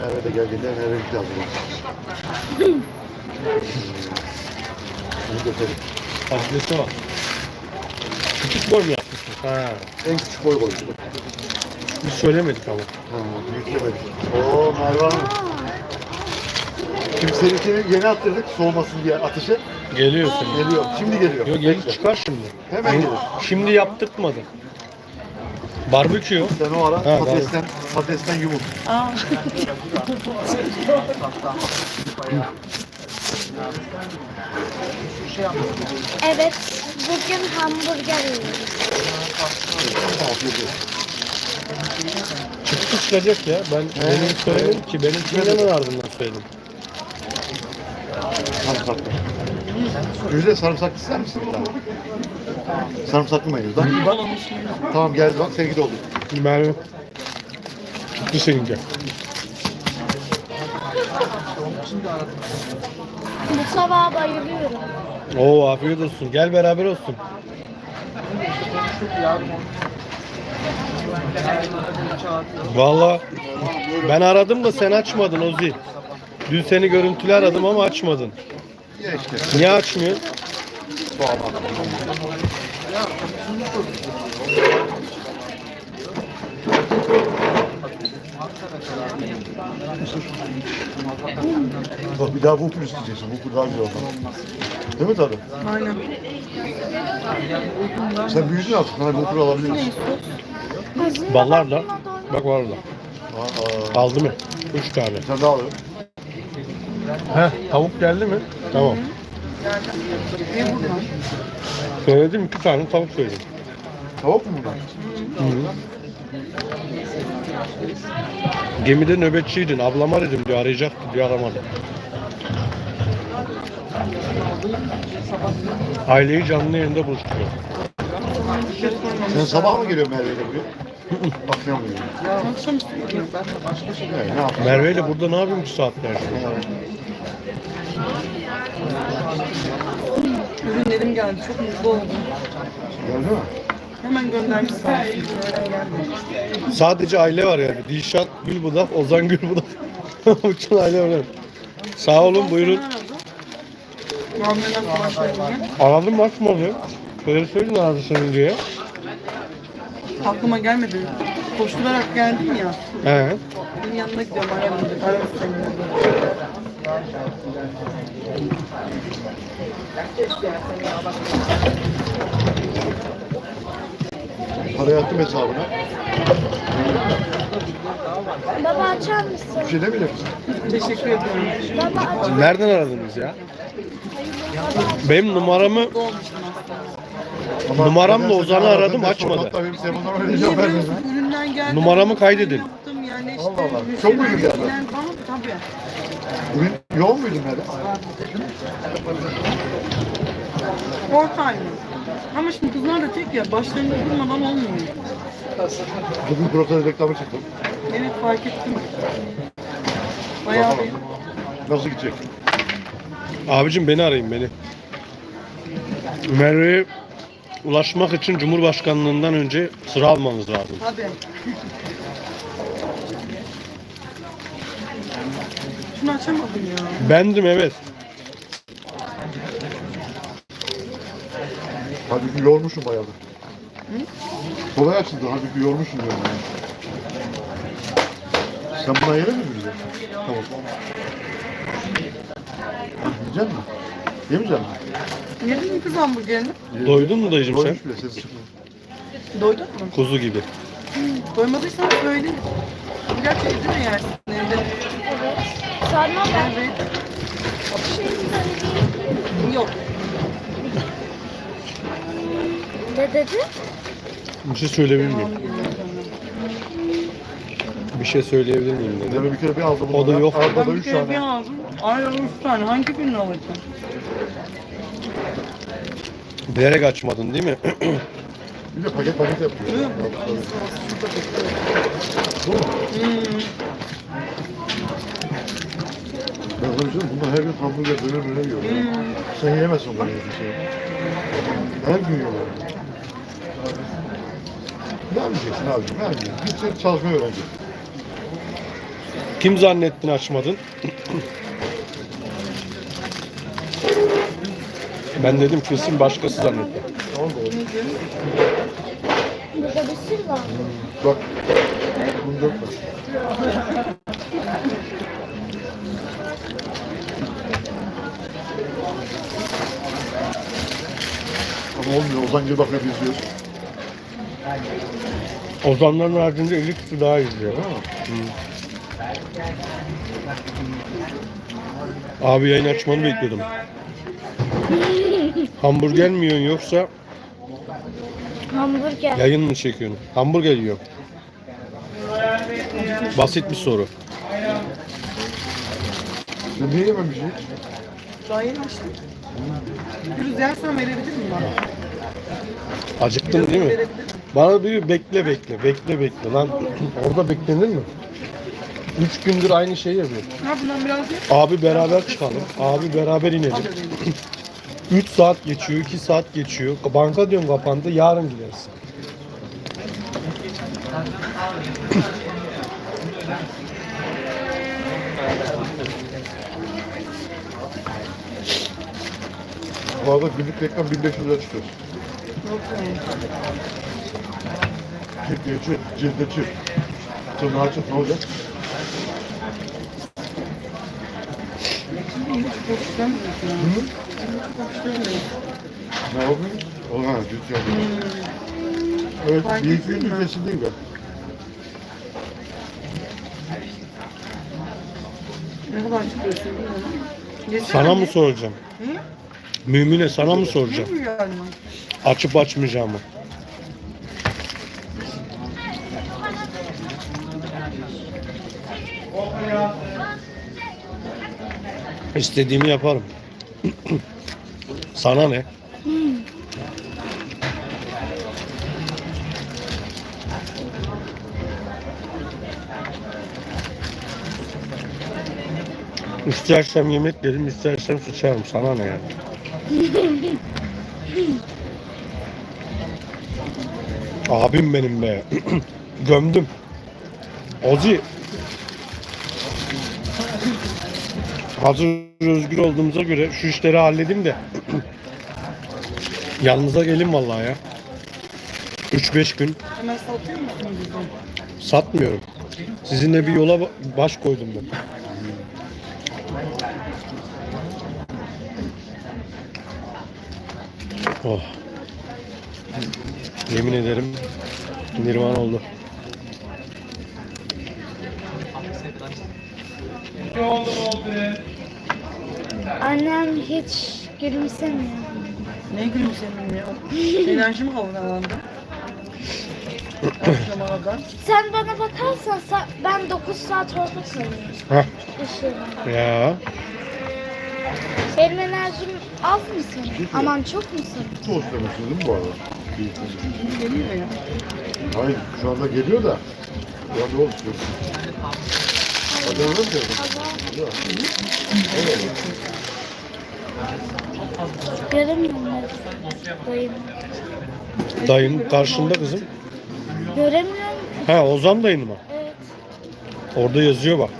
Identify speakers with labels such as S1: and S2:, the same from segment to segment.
S1: Merve de geldiğinde Merve'lik lazım. Bunu götürelim.
S2: Patatese bak. Küçük boy mu yapmışsın? Ha.
S1: En küçük boy koyduk.
S2: Biz söylemedik ama.
S1: Ha, büyüklemedik. Oo Merve Hanım. Şimdi seninkini yeni attırdık soğumasın diye ateşe.
S2: Geliyor senin.
S1: Geliyor. Şimdi geliyor.
S2: Yok gelip çıkar şimdi.
S1: Hemen gelir.
S2: Şimdi yaptırtmadı. Barbekü.
S1: Sen o ara
S2: Ha,
S1: patatesten yumul.
S3: Evet, bugün hamburger yiyoruz.
S1: Afiyet olsun.
S2: Çıktı çıkacak ya. Benim söylemedim ki. Benimkini hemen ardından söyledim.
S1: Sarımsaklı. Güzel sarımsaklı ister misin bir tane? Sarımsaklı mayonez. Bak, bak. Tamam geldi bak seninki de oldu.
S2: Ben çıktı seninki.
S3: Bu sabah bayılıyorum.
S2: Oo afiyet olsun. Gel beraber olsun. Vallahi ben aradım da sen açmadın Ozi. Dün seni görüntülü aradım ama açmadın.
S1: Ya işte.
S2: Niye açmıyor?
S1: Bak bir daha Whopper isteyeceksin. Whopper daha güzel olmaz. Değil mi tadı?
S4: Aynen.
S1: Sen büyüdün artık. Hani Whopper alabiliriz.
S2: Ballarla. Bak var orada.
S1: Aa,
S2: Aldı mı? 3 tane.
S1: bir tane daha alalım.
S2: Tavuk geldi mi? Tamam.
S4: Ne buradan?
S2: Söyledim 2 tane tavuk söyledim.
S1: Tavuk mu bunlar?
S2: Gemide nöbetçiydin. Ablama dedim diyor arayacaktı diyor aramadı. Aileyi canlı yayında buluşturuyor.
S1: Sen sabah mı geliyorsun Merve'yle buraya? Akşam mı geliyorsun?
S4: Akşamüstü gidiyorum.
S1: Ne yapıyorsun?
S2: Merve ile burada ne yapayım bu saatlerce?
S4: Ürünlerim geldi. Çok mutlu oldum.
S1: Geldi mi?
S4: Hemen göndermiş sağ olsun.
S2: Sadece aile var yani. Dilşat Gülbudak, Ozan Gülbudak. Bütün aile var. Sağ olun buyurun.
S4: Muamele falan söyleyeyim.
S2: Aradım mı açmadı. Böyle söyledin aradı senin diye.
S4: Aklıma gelmedi. Koşturarak geldim ya.
S2: He.
S4: Benim yanına gidiyorum. Aramadı. Aramış seni.
S1: Parayı attım hesabına.
S3: Baba açar mısın?
S1: Bir şey demeyecek misin?
S4: Teşekkür ediyorum.
S3: Baba aç.
S2: Nereden aradınız ya? Benim numaramı
S4: Olmuştum aslında.
S1: Ama
S2: Numaramla
S1: nedense
S2: Ozan'ı
S1: ben
S2: aradım,
S1: ve
S2: açmadı.
S1: sonra hatta benim telefondan öyle
S4: Niye
S1: cevap
S4: biliyor
S1: vermedin.
S4: musun? Üründen geldi.
S2: Numaramı kaydedin.
S4: Yaptım yani işte.
S1: Allah Allah.
S4: bir
S1: Çok mu
S4: şeyler
S1: ürün geldi?
S4: filan falan. Tabii.
S1: Bugün yoğun muydun Merve?
S4: Ortayım. Ama şimdi kızlar da tek ya. Başlarında durmadan olmuyor.
S1: Bugün protez reklamı çıktı.
S4: Evet fark ettim. Bayağı
S1: Bakalım.
S4: bir
S1: Nasıl gidecek?
S2: abicim beni arayın beni. Merve'ye ulaşmak için Cumhurbaşkanlığından önce sıra almanız lazım.
S4: Tabii. Şunu açamadım ya.
S2: Bendim evet.
S1: Halbuki yormuşum bayağı. Kolay açıldı. Halbuki yormuşum diyorum yani. Sen buna yere mi gireceksin? Tamam. Yiyecek misin? Yemeyecek misin?
S4: Yedin mi kız hamburgerini?
S2: Doydun mu dayıcım sen?
S1: Doymuş bile ses çıkmıyor.
S4: Doydun mu?
S2: Kuzu gibi.
S4: Doymadıysan söyle. Biraz evde mi yersin evde?
S3: Evet. Sonra ben
S4: Evet.
S3: bir şey söyleyeyim.
S4: Yok.
S3: Ne dedi?
S2: Bir şey söyleyebilir miyim? Bir şey söyleyebilir miyim dedi.
S1: Yani bir kere bir aldım.
S2: O da yok.
S1: Arada da
S4: Ben bir
S1: 3
S4: kere bir
S1: tane.
S4: aldım. Aynen 3 tane. Hangi birini alacağım?
S2: Bilerek açmadın değil mi?
S1: Bir de paket yapıyor.
S4: Yok.
S1: Bu mu?
S4: Hmm.
S1: Ben sana bir şey diyeyim, bunlar her gün hamburger döner yiyor. Sen yiyemezsin bunları bir şey. Her gün yiyorlar. Ne yapacaksın abicim? Ne yapacaksın? Gideceksin çalışmayı öğreneceksin.
S2: Kim zannettin açmadın? Ben dedim kesin başkası zannetti.
S3: Burada bir sürü var.
S1: Bak. Bunu dökme. Ama olmuyor. Ozan gibi bakıyor izliyoruz.
S2: Ozanların haricinde 50 kişi daha izliyor. Abi yayın açmanı bekliyordum. Hamburger mi yiyorsun yoksa
S3: Hamburger.
S2: yayın mı çekiyorsun? Hamburger yiyorum. Basit bir soru.
S1: Sen niye yememişsin hiç?
S4: Daha yeni açtım. Gürüz yersen verebilir miyim bana?
S2: Acıktın değil mi? Bana diyor bekle lan. Orada beklenir mi? 3 gündür aynı şeyi yapıyor.
S4: Ha bundan biraz ye.
S2: Abi beraber çıkalım. Abi beraber inelim. 3 saat geçiyor, 2 saat geçiyor. Banka diyorum kapandı, yarın gideriz.
S1: Bu arada günlük reklam 1500 lira çıkıyor. Cilde çık. Tırnağı çık, ne olacak?
S4: Çok istemiyorsun ya. Çok istemiyorum.
S1: Ne yapayım? O ha, cilt yapıyor. Evet,
S4: Fark
S1: bir iki
S4: ettin
S1: gün
S4: mi?
S1: kesin değil ben.
S4: Ne kadar çıkıyorsun bilmiyorum. Yesene
S2: Sana mı
S4: bir.
S2: soracağım?
S4: Hı?
S2: Mümine sana mı soracağım?
S4: Ne bu yani?
S2: Açıp açmayacağımı. İstediğimi yaparım. Sana ne? İstersem yemek derim, istersem sıçarım. Sana ne yani? Abim benim be. Gömdüm. Ozi. Hazır özgür olduğumuza göre şu işleri halledeyim de yanınıza gelin vallahi ya. 3-5 gün
S4: Hemen satıyor musun bizden?
S2: satmıyorum. Sizinle bir yola baş koydum ben. Oh. Yemin ederim nirvan oldu.
S3: Annem hiç gülümsemiyor.
S4: Ne gülümsemeyim ya? Enerjim havalandı. Akşama kadar.
S3: Sen bana bakarsan ben 9 saat orada kalıyorum.
S2: Hah.
S3: Işığımda.
S2: Ya.
S3: Benim enerjim az mı senin? Aman çok mu senin?
S1: Tost demesin değil mi bu arada?
S4: Şimdi geliyor ya.
S1: Hayır, şu anda geliyor da. Ya ne oldu? Hadi öyle mi diyorsun?
S3: Göremiyorum ben. Dayım.
S2: Dayın karşında kızım.
S3: Göremiyorum.
S2: Ha Ozan dayın mı?
S3: Evet.
S2: Orada yazıyor bak.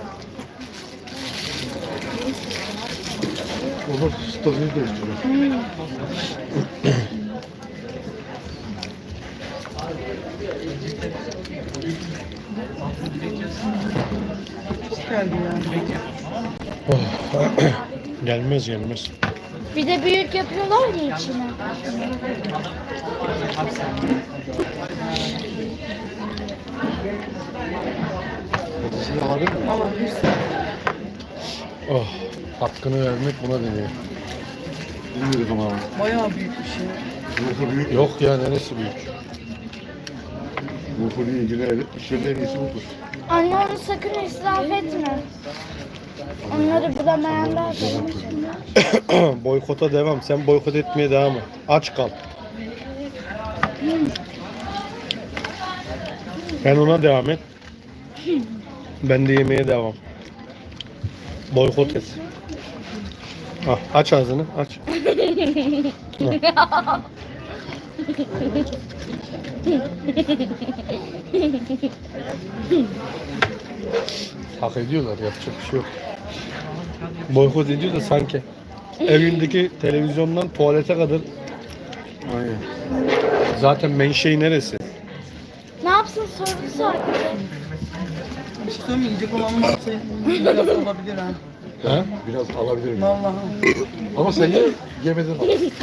S1: Onu statüyü değiştiriyor.
S4: Çok geldi yani.
S2: Gelmez gelmez.
S3: Bir de büyük yapıyorlar ya içine.
S1: Sizi alabilir miyim?
S4: Allah bir
S2: Oh, hakkını vermek buna deniyor.
S1: Bilmiyorum ama.
S4: bayağı büyük bir şey.
S1: Ruhu büyük.
S2: Yok ya neresi büyük?
S1: Ruhuyla ilgili işlerin en iyisi budur.
S3: Anne onu sakın israf etme. Onları bulamayanlar benim.
S2: Boykota devam. Sen boykot etmeye devam et. Aç kal. Ben ona devam et. Ben de yemeye devam. Boykot et. Ah, aç ağzını, aç. Hak ediyorlar, yapacak bir şey yok. Boykot ediyor da sanki evindeki televizyondan tuvalete kadar
S1: Aynen.
S2: zaten menşei neresi?
S3: Ne yapsın sorusu var.
S4: Bir şey söyleyeyim mi? Yiyecek olan varsa biraz olabilir ha.
S2: Ha?
S1: Biraz alabilirim.
S4: Vallahi.
S1: Ama sen yemedin.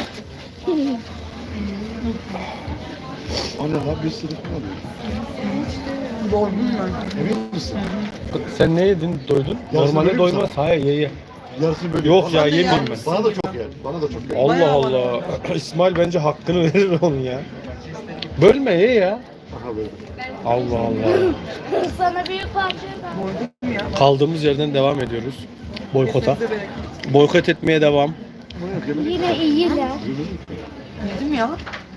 S1: Anne lan bir sırık mı alıyor?
S4: Doydum ben.
S1: Emin misin?
S2: Sen ne yedin? Doydun?
S1: Yarısını
S2: Normalde
S1: böleyim mi
S2: doymaz. Hayır ye.
S1: Yarısını böyle.
S2: Yok ya,
S1: Bana-
S2: yemeyeyim ben.
S1: Bana da çok yer. Bana da çok yer.
S2: Allah
S4: Bayağı
S2: Allah. İsmail bence hakkını verir onun ya. Bölme ye ya.
S1: Aha böyle.
S2: Allah Allah.
S3: Sana büyük parça da.
S4: Doydum ya.
S2: Kaldığımız yerden devam ediyoruz. Boykota.
S4: Kesinize bereket.
S2: Boykot etmeye devam.
S1: Bunu yok yemedik.
S3: Yine iyiler.
S4: Yedim ya.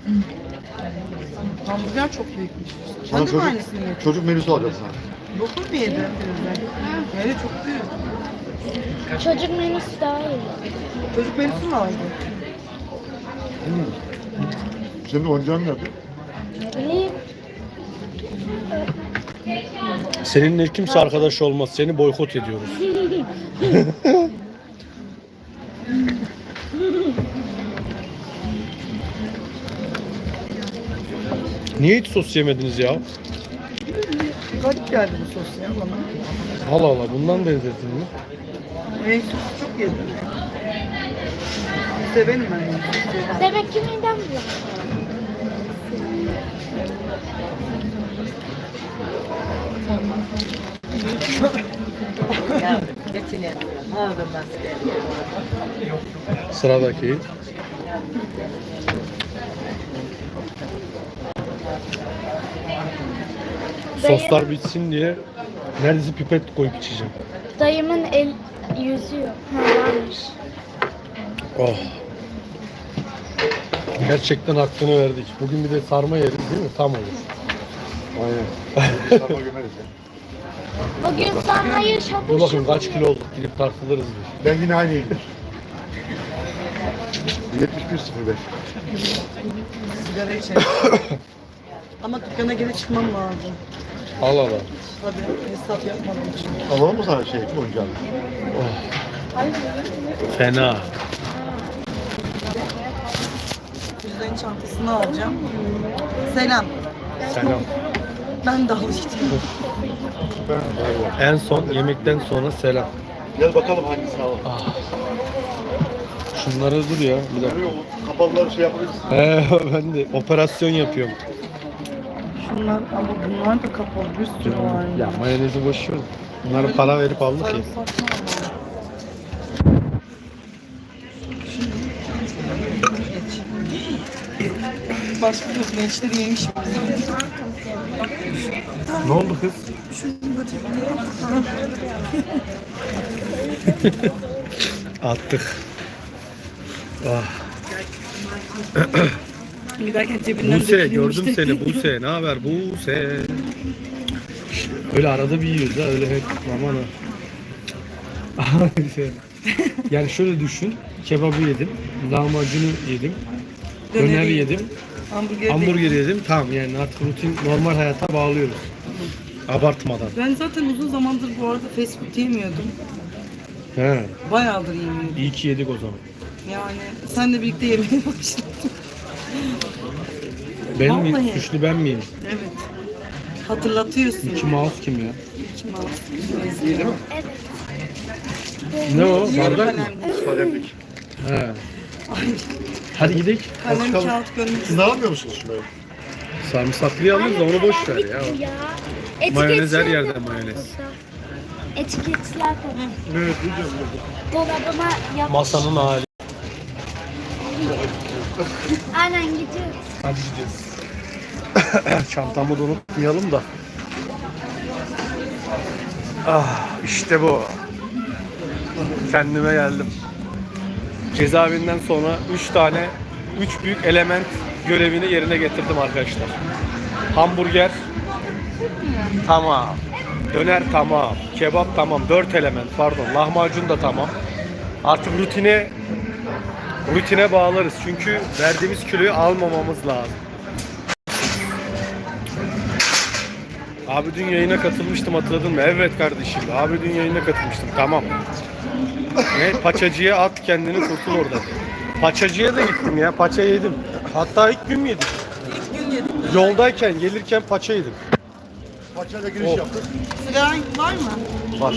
S4: Hamburger çok büyükmüş.
S1: Sana
S4: Sen de mi
S1: çocuk,
S4: aynısını yedin?
S1: çocuk menüsü alacağım sana.
S4: Dokuz mu yedin? Yani çok büyük.
S3: Çocuk menüsü daha iyi.
S4: Çocuk menüsü mü aldı?
S1: Senin oyuncağın nerede?
S3: İyi.
S2: Seninle kimse arkadaş olmaz. Seni boykot ediyoruz. Niye hiç sos yemediniz ya?
S4: Garip geldi bu sos ya bana.
S2: Allah Allah, bundan benzettin mi?
S4: Renk sosu çok yedim. Severim ben renk sosu.
S3: Demek ki midem bulanıyor.
S2: Sıradaki. Soslar bitsin diye neredeyse pipet koyup içeceğim.
S3: Dayımın el yüzüyor. Ha varmış.
S2: Oh. Gerçekten hakkını verdik. Bugün bir de sarma yeriz değil mi? Tam olur.
S1: Aynen. Sarma gömeriz ya.
S3: Bugün sarmayı
S2: Dur
S3: şapur
S2: bakayım
S3: şupur.
S2: kaç kilo olduk, gidip tartılırız bir.
S1: Ben yine aynıyım. 71.05.
S4: Sigara içerim. Ama dükkana geri çıkmam lazım.
S2: Allah Allah.
S4: Tabii hesap yapmadığım için.
S1: Alalım mı sana şey oyuncağı?
S2: Fena.
S4: Cüzdanın çantasını alacağım. Selam.
S2: Selam.
S4: Ben de alacağım.
S2: En son yemekten sonra selam.
S1: Gel bakalım hangisini alalım.
S2: Şunları dur ya. Bir dakika.
S1: Görüyor musun? Kapalıları şey yapabilirsin.
S2: Ben de operasyon yapıyorum.
S4: Şunlar ama bunlar da kapalı. Bir sürü var
S2: Ya mayonezi boş ver. Bunları para verip aldık ya.
S4: Sarımsak mı var? Başka bir gençleri yemişim.
S2: Ne oldu kız? Attık. Ah.
S4: Giderken cebinden
S2: Buse gördüm seni Buse. Ne haber Buse? Öyle arada bir yiyoruz ha, öyle hep aman ha. Yani şöyle düşün. Kebabı yedim, lahmacunu yedim, döner yedim, hamburger yedim. Tamam, yani artık rutin normal hayata bağlıyoruz. Abartmadan.
S4: Ben zaten uzun zamandır bu arada fast food yemiyordum.
S2: He.
S4: Bayağıdır yemiyordum.
S2: İyi ki yedik o zaman.
S4: Yani senle birlikte yemeye başladım.
S2: Benim
S4: Vallahi.
S2: suçlu ben miyim?
S4: Evet. Hatırlatıyorsun.
S2: Mickey Mouse kim ya?
S4: Kim alsın?
S3: Evet.
S2: Ne o?
S4: Yarı
S2: Bardak mı?
S4: kalem.
S1: Kalemlik.
S2: He. Hadi gidelim.
S4: Kalem
S1: Çıkalım.
S4: kağıt gönlüm.
S1: Siz ne yapmıyor musunuz şunları?
S2: Sarımsaklıyı alırız da onu boş ver ya. Mayonez her
S3: Etiketler de
S2: yerde
S3: var
S2: mayonez.
S3: burada. Etiketler de.
S1: Evet, duyacağım.
S3: Dolabıma yapmış.
S2: Masanın hali.
S3: Aynen gidiyoruz.
S2: Hadi gidiyoruz. Çantamı da unutmayalım da. Ah, işte bu. Kendime geldim. Cezaevinden sonra 3 büyük element görevini yerine getirdim arkadaşlar. Hamburger tamam. Döner tamam. Kebap tamam. 4 element pardon. Lahmacun da tamam. Artık rutine bağlarız. Çünkü verdiğimiz kiloyu almamamız lazım. Abi dün yayına katılmıştım, hatırladın mı? Evet kardeşim. Abi dün yayına katılmıştım. Tamam. Ne? Paçacıya at kendini, kurtul oradan. Paçacıya da gittim ya. Paça yedim. Hatta ilk gün mü yedik?
S4: İlk gün yedim.
S2: Yoldayken gelirken paça yedim.
S1: Paçayla giriş
S2: Oh.
S1: yaptık.
S4: Sigaran var mı?
S2: Var.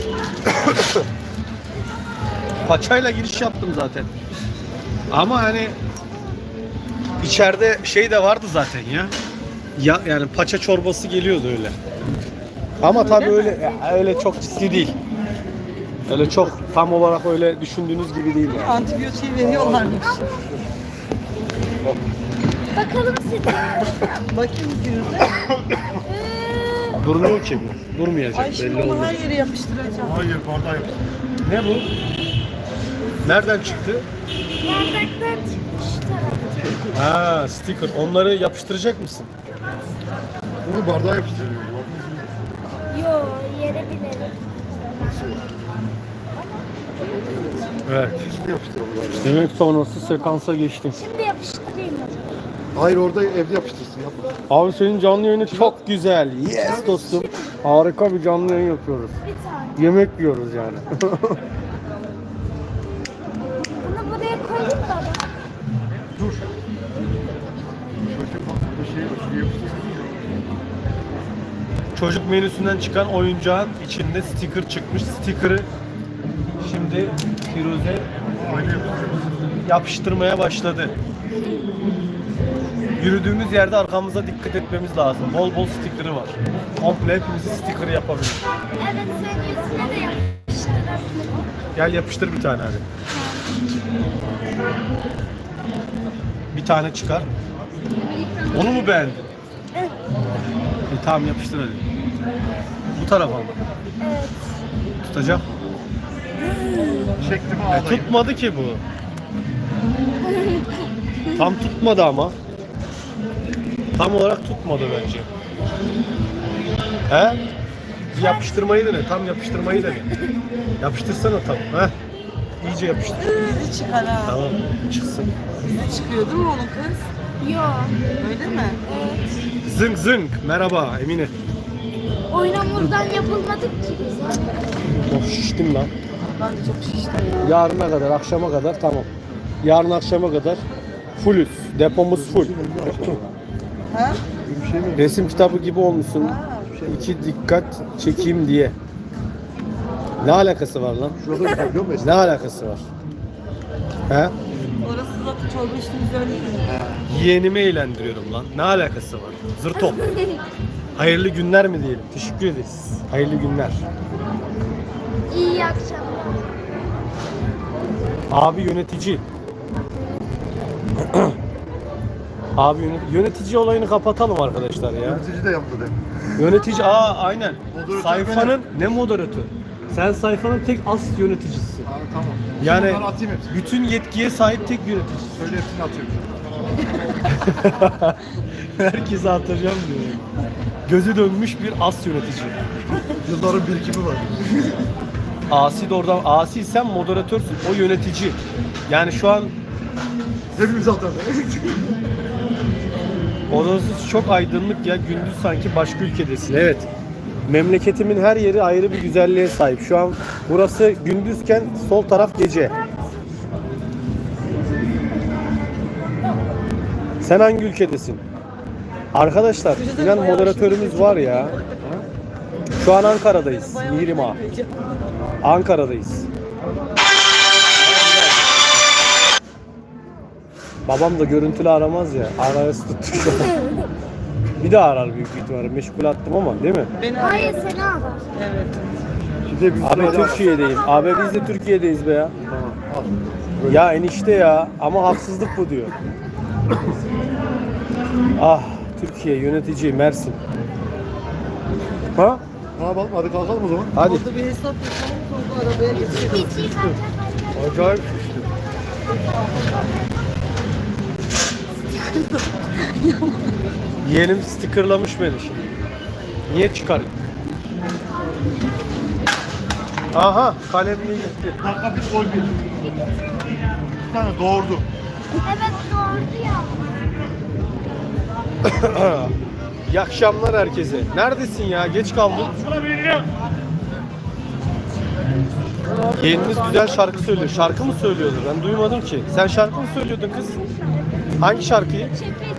S2: Paçayla giriş yaptım zaten. Ama hani içeride şey de vardı zaten ya. Ya yani paça çorbası geliyordu öyle. Ama tabii öyle çok ciddi değil. Öyle çok tam olarak öyle düşündüğünüz gibi değil yani.
S4: Antibiyotiği veriyorlarmış.
S3: Bakalım size.
S4: Bakayım yüzüne.
S2: Durmuyor ki bu. Durmayacak
S4: Ay şimdi
S2: belli
S4: onu
S2: olmaz.
S4: her yere yapıştıracağım.
S1: Hayır bardağı yaptık.
S2: Ne bu? Nereden çıktı?
S3: Bardaktan çıkmış tarafı.
S2: Ha, sticker. Onları yapıştıracak mısın?
S1: Bunu bardağa yapıştırıyor.
S3: Yo, yere binelim.
S2: Evet.
S1: Şimdi yapıştıralım.
S2: Demek sonrası sekansa geçtim.
S3: Şimdi yapıştırayım o zaman.
S1: Hayır orada evde yapıştırsın yapma.
S2: Abi senin canlı yayını çok güzel. Yes dostum. Harika bir canlı yayın yapıyoruz.
S3: Bir tane.
S2: Yemek yiyoruz yani.
S3: Bunu buraya koyayım da.
S1: Dur. Çocuk bir şey var. Şuraya yapıştırsın.
S2: Çocuk menüsünden çıkan oyuncağın içinde sticker çıkmış. Sticker'ı şimdi Firuze
S1: Aynı yapıştırıyoruz.
S2: yapıştırmaya başladı. Yürüdüğümüz yerde arkamıza dikkat etmemiz lazım. Bol bol sticker'ı var. Komple hepimizi sticker yapabilir.
S3: Evet, senin yüzüne de yapıştırabilirim.
S2: Gel yapıştır bir tane hadi. Bir tane çıkar. Onu mu beğendin? Tamam yapıştır hadi. Bu tarafa mı?
S3: Evet.
S2: Tutacak.
S1: Çektim ağlayayım.
S2: Tutmadı ki bu. Tam tutmadı ama. Tam olarak tutmadı bence. He? Bir yapıştırmayı dene. Tam yapıştırmayı dene. Yapıştırsana tam. He? İyice yapıştır.
S4: Bizi çıkar ha.
S2: Tamam. Çıksın.
S4: Bizi çıkıyor değil mi onun kız?
S3: Yo.
S4: Öyle mi?
S3: Evet.
S2: Zınk zınk. Merhaba Emine.
S3: Oyun hamurdan yapılmadık ki biz.
S2: Of şiştim lan.
S4: Ben de çok şiştim ya.
S2: Yarına kadar, akşama kadar tamam. Yarın akşama kadar fullüz. Depomuz full.
S4: Ha?
S1: Bir şey mi?
S2: Resim kitabı gibi olmuşsun.
S4: Ha.
S2: İki dikkat çekeyim diye. Ne alakası var lan?
S1: Şurada bir biliyor musun?
S2: Ne alakası var? He?
S4: Orası zaten çorba içtiğimiz öyle değil mi?
S2: Yeğenimi eğlendiriyorum lan. Ne alakası var? Zırto. Hayırlı günler mi diyelim? Teşekkür ederiz. Hayırlı günler.
S3: İyi akşamlar.
S2: Abi yönetici. Abi yönetici olayını kapatalım arkadaşlar ya.
S1: Yönetici de yaptı de.
S2: Yönetici aynen.
S1: Moderatör
S2: Sayfanın ne moderatör? Sen sayfanın tek as yöneticisisin.
S1: Ha, tamam.
S2: Yani
S1: Bunları atayım hepsini.
S2: bütün yetkiye sahip tek yönetici.
S1: Söyle hepsini atıyorum.
S2: Herkese atacağım diyor. Gözü dönmüş bir as yönetici.
S1: Yılların birikimi var.
S2: Asi de oradan, asi sen moderatörsün, o yönetici. Yani şu an
S1: Hepimiz atalım.
S2: odası çok aydınlık ya, gündüz sanki başka ülkedesin. Evet. Memleketimin her yeri ayrı bir güzelliğe sahip. Şu an burası gündüzken sol taraf gece. Sen hangi ülkedesin? Arkadaşlar, inan moderatörümüz var ya. Şu an Ankara'dayız. Mihrimah. Ankara'dayız. Babam da görüntülü aramaz ya. Arası tuttu şu an. Bir daha arar büyük ihtimalle. Meşgul attım ama değil mi?
S4: Beni
S3: Hayır, seni alır.
S4: Evet.
S1: Şimdi biz
S2: Abi Türkiye'deyim. Abi biz de Türkiye'deyiz be ya.
S1: Tamam al.
S2: Ya enişte ya. Ama haksızlık bu diyor. Ah Türkiye yönetici Mersin. Ha?
S1: Ne yapalım? Hadi kalkalım o zaman.
S2: Hadi.
S4: Orada bir hesap yapalım sonra arabaya geçelim.
S3: Hiç iyi kalacak.
S2: Acayip işte. Yeğenim stickerlamış beni şimdi. Niye çıkarayım? Aha kalemliği gitti.
S1: Dakika bir gol bir. Bir tane doğurdu.
S3: Evet, doğru ya.
S2: İyi akşamlar herkese. Neredesin ya? Geç kaldın. Yeğeniniz güzel şarkı söylüyor. Şarkı mı söylüyordu? Ben duymadım ki. Sen şarkı mı söylüyordun kız? Hangi şarkıyı?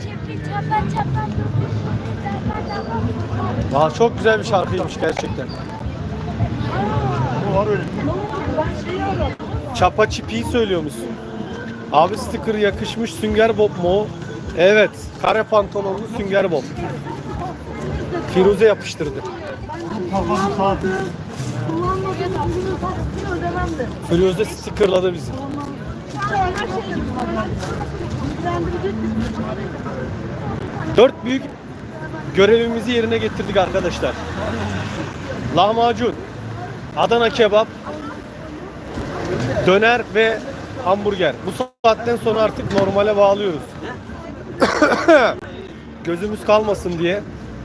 S2: Aa, çok güzel bir şarkıymış gerçekten. Çapa çipiyi söylüyor musun? Abi sticker yakışmış, Sünger Bob mu o? Evet, kare pantolonlu Sünger Bob. Firuze yapıştırdı. Firuze stickerladı bizi. Dört büyük görevimizi yerine getirdik arkadaşlar. Lahmacun, Adana kebap, döner ve hamburger. Bu saatten sonra artık normale bağlıyoruz. Gözümüz kalmasın diye.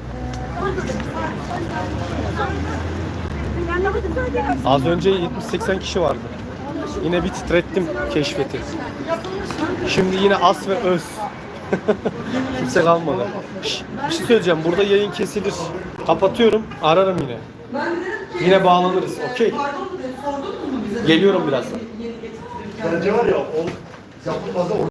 S2: Az önce 70-80 kişi vardı. Yine bir titrettim keşfeti. Şimdi yine as ve öz. Kimse kalmadı. Şş, bir şey söyleyeceğim. Burada yayın kesilir. Kapatıyorum. Ararım yine. Yine bağlanırız. Okey. Geliyorum birazdan.
S1: Bence var ya o yapılmaz da